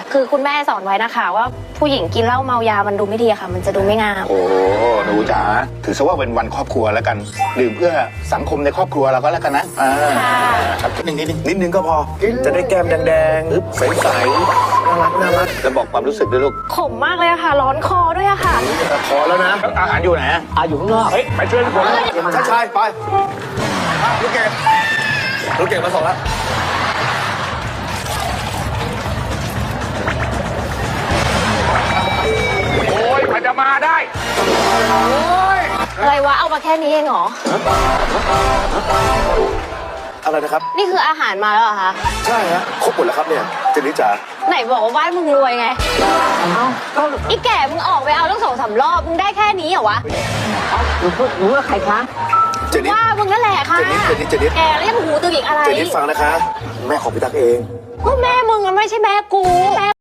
คือคุณแม่สอนไว้นะคะว่าผู้หญิงกินเหล้าเมายามันดูไม่ดีอะค่ะ มันจะดูไม่งามโอ้หนูจ๋าถือซะว่าเป็นวันครอบครัวแล้วกันดื่มเพื่อสังคมในครอบครัวเราก็แล้วกันนะครับนิดนึงก็พอจะได้แก้มแดงๆใสๆน่ารักจะบอกความรู้สึกด้วยลูกขมมากเลยอะค่ะ ร้อนคอด้วยอะค่ะพอแล้วนะอาหารอยู่ไหนอยู่ข้างนอกเฮ้ยไปช่วยผมชายไปลูกเก่งมาส่งแล้วโอ้ยมันจะมาได้อะไรวะ เอามาแค่นี้เองเหรออะไรนะครับนี่คืออาหารมาแล้วเหรอคะใช่ฮะครบหมดแล้วครับเนี่ยเจนนี่จ๋าไหนบอกว่าบ้านมึงรวยไงอีแก่มึงออกไปเอาตั้ง2-3 รอบ มึงได้แค่นี้เหรอวะหนูว่าใครคะเจนนี่ว่ามึงนั่นแหละค่ะเจนนี่แกแล้วยังหูตึงอีกอะไรเจนนี่ฟังนะคะแม่ของพี่ตั๊กเองก็แม่มึงมันไม่ใช่แม่กู